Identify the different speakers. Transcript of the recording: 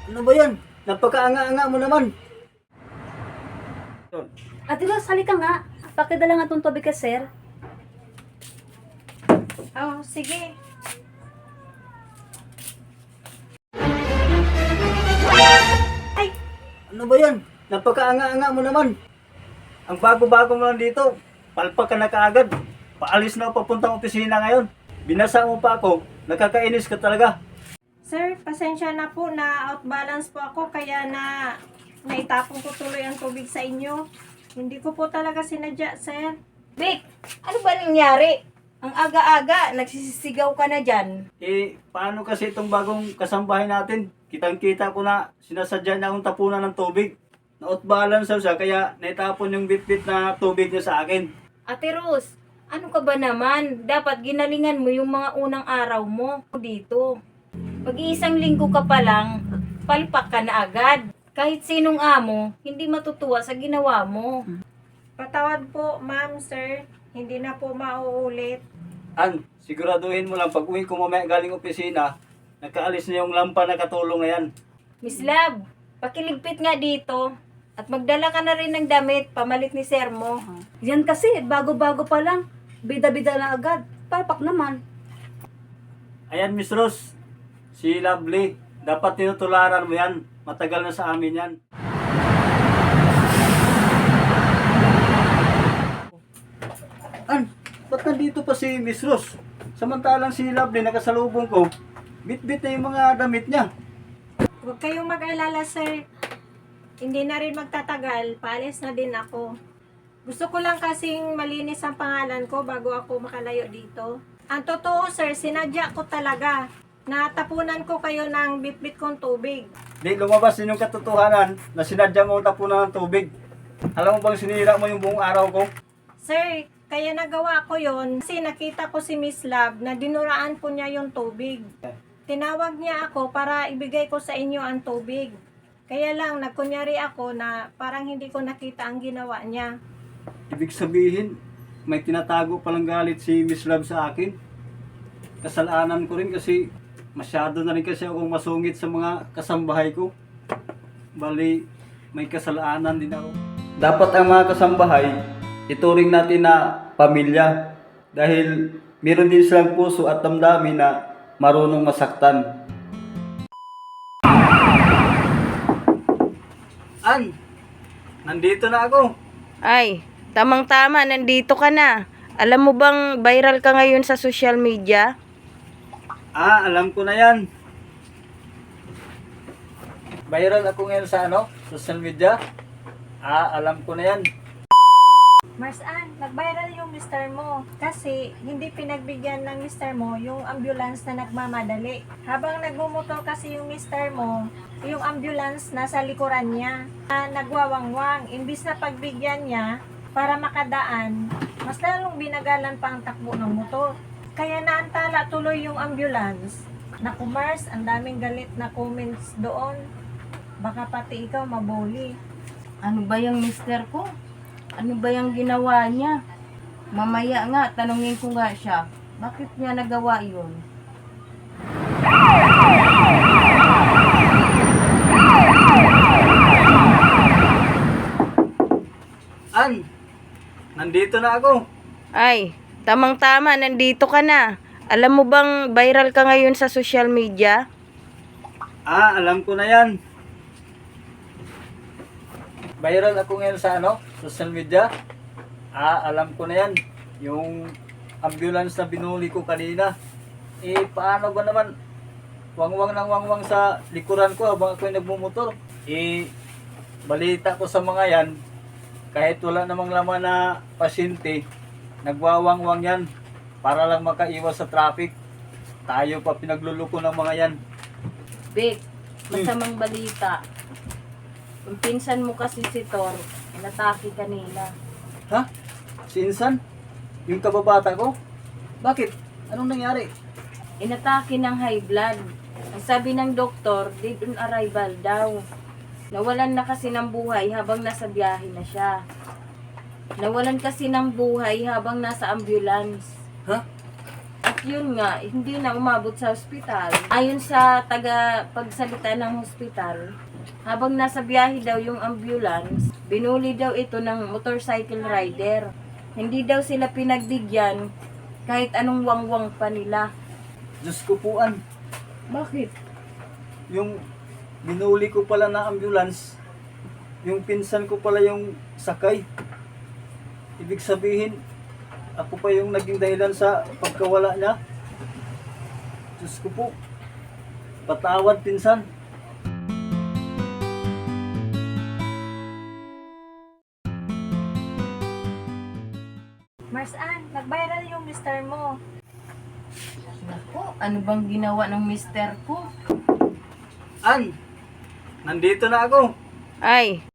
Speaker 1: Ano ba yan? Napakaanga-anga mo naman.
Speaker 2: Ate Ros, halika nga. Pakidala nga itong tubig ka, sir.
Speaker 3: Oh, sige. Ay,
Speaker 1: Ano ba yan? Napakaanga-anga mo naman. Ang bago-bago mo lang dito. Palpak ka na kaagad. Paalis na ako papuntang opisina ngayon. Binasa mo pa ako. Nakakainis ka talaga.
Speaker 3: sir, pasensya na po na outbalance po ako kaya naitapon ko tuloy ang tubig sa inyo. Hindi ko po talaga sinadya, sir.
Speaker 4: Vic, ano ba nangyari? Ang aga-aga, nagsisisigaw ka na dyan.
Speaker 1: Paano kasi itong bagong kasambahay natin? Kitang-kita ko na sinasadya niya akong tapunan ng tubig. Na-outbalance siya kaya naitapon yung bit-bit na tubig niya sa akin.
Speaker 4: Ate Rose, ano ka ba naman? Dapat ginalingan mo yung mga unang araw mo dito. Pag-iisang linggo ka pa lang, palpak ka na agad. Kahit sinong amo, hindi matutuwa sa ginawa mo.
Speaker 3: Patawad po, ma'am, sir. Hindi na po mauulit.
Speaker 1: Siguraduhin mo lang pag uwi ko mamaya galing opisina, nakaalis na yung lampa na katulong na yan.
Speaker 4: Miss Love, pakiligpit nga dito. At magdala ka na rin ng damit, pamalit ni Sir mo.
Speaker 2: Yan kasi, bago-bago pa lang. Bida-bida na agad. Palpak naman.
Speaker 1: Ayan, Miss Rose. Si Lovely. Dapat tinutularan mo yan. Matagal na sa amin yan. Ba't nandito pa si Miss Rose? Samantalang si Lovely nakasalubong ko, bit-bit na yung mga damit niya.
Speaker 3: Huwag kayong mag-alala, sir. Hindi na rin magtatagal. Paalis na din ako. Gusto ko lang kasing malinis ang pangalan ko bago ako makalayo dito. Ang totoo, sir, sinadya ko talaga. Natapunan ko kayo ng bit-bit kong tubig.
Speaker 1: Di lumabas din yung katotohanan na sinadya mo tapunan ng tubig. Alam mo bang sinira mo yung buong araw ko?
Speaker 3: Sir, kaya nagawa ko yon kasi nakita ko si Miss Love na dinuraan po niya yung tubig. Tinawag niya ako para ibigay ko sa inyo ang tubig. Kaya lang, nagkunyari ako na parang hindi ko nakita ang ginawa niya.
Speaker 1: Ibig sabihin, may tinatago palang galit si Miss Love sa akin. Kasalanan ko rin kasi masyado na rin kasi akong masungit sa mga kasambahay ko. Bali, may kasalanan din ako. Dapat ang mga kasambahay, ituring natin na pamilya. Dahil meron din silang puso at damdamin na marunong masaktan. Nandito na ako.
Speaker 4: Ay, tamang-tama, nandito ka na. Alam mo bang viral ka ngayon sa social media?
Speaker 1: Alam ko na yan. Viral ako ngayon sa social media. Alam ko na yan.
Speaker 3: Mars Ann, nag-viral yung mister mo kasi hindi pinagbigyan ng mister mo yung ambulance na nagmamadali. Habang nagmumotor kasi yung mister mo, yung ambulance nasa likuran niya na nagwawangwang. Imbis na pagbigyan niya para makadaan, mas lalong binagalan pa ang takbo ng motor. Kaya naantala tuloy yung ambulance. Naku Mars, ang daming galit na comments doon. Baka pati ikaw maboli.
Speaker 4: Ano ba yung mister ko? Ano ba yung ginawa niya? Mamaya nga, tanungin ko nga siya. Bakit niya nagawa yun?
Speaker 1: Nandito na ako.
Speaker 4: Ay, tamang-tama, nandito ka na. Alam mo bang viral ka ngayon sa social media?
Speaker 1: Alam ko na yan. Viral ako ngayon sa social media. Alam ko na yan. Yung ambulance na binuli ko kanina. Paano ba naman? Wangwang ng wangwang sa likuran ko habang ako'y nagmumotor. Balita ko sa mga yan, kahit wala namang laman na pasyente, nagwawangwang yan para lang makaiwas sa traffic. Tayo pa pinagluluko ng mga yan.
Speaker 4: Vic, masamang balita. Yung pinsan mo kasi si Tor, inatake kanina.
Speaker 1: Ha? Si Insan? Yung kababata ko? Bakit? Anong nangyari?
Speaker 4: Inatake ng high blood. Ang sabi ng doktor, dead on arrival daw. Nawalan na kasi ng buhay habang nasa biyahe na siya. Nawalan kasi ng buhay habang nasa ambulance.
Speaker 1: Ha?
Speaker 4: At yun nga, hindi na umabot sa ospital. Ayon sa taga-pagsalita ng hospital, habang nasa biyahe daw yung ambulance, binuli daw ito ng motorcycle rider. Hindi daw sila pinagbigyan kahit anong wangwang pa nila.
Speaker 1: Diyos ko po, An.
Speaker 4: Bakit?
Speaker 1: Yung binuli ko pala na ambulance, yung pinsan ko pala yung sakay. Ibig sabihin, ako pa yung naging dahilan sa pagkawala niya. Diyos ko po, patawad pinsan.
Speaker 3: Marsan, nag-viral yung mister mo.
Speaker 4: Naku, ano bang ginawa ng mister ko?
Speaker 1: An, nandito na ako.
Speaker 4: Ay,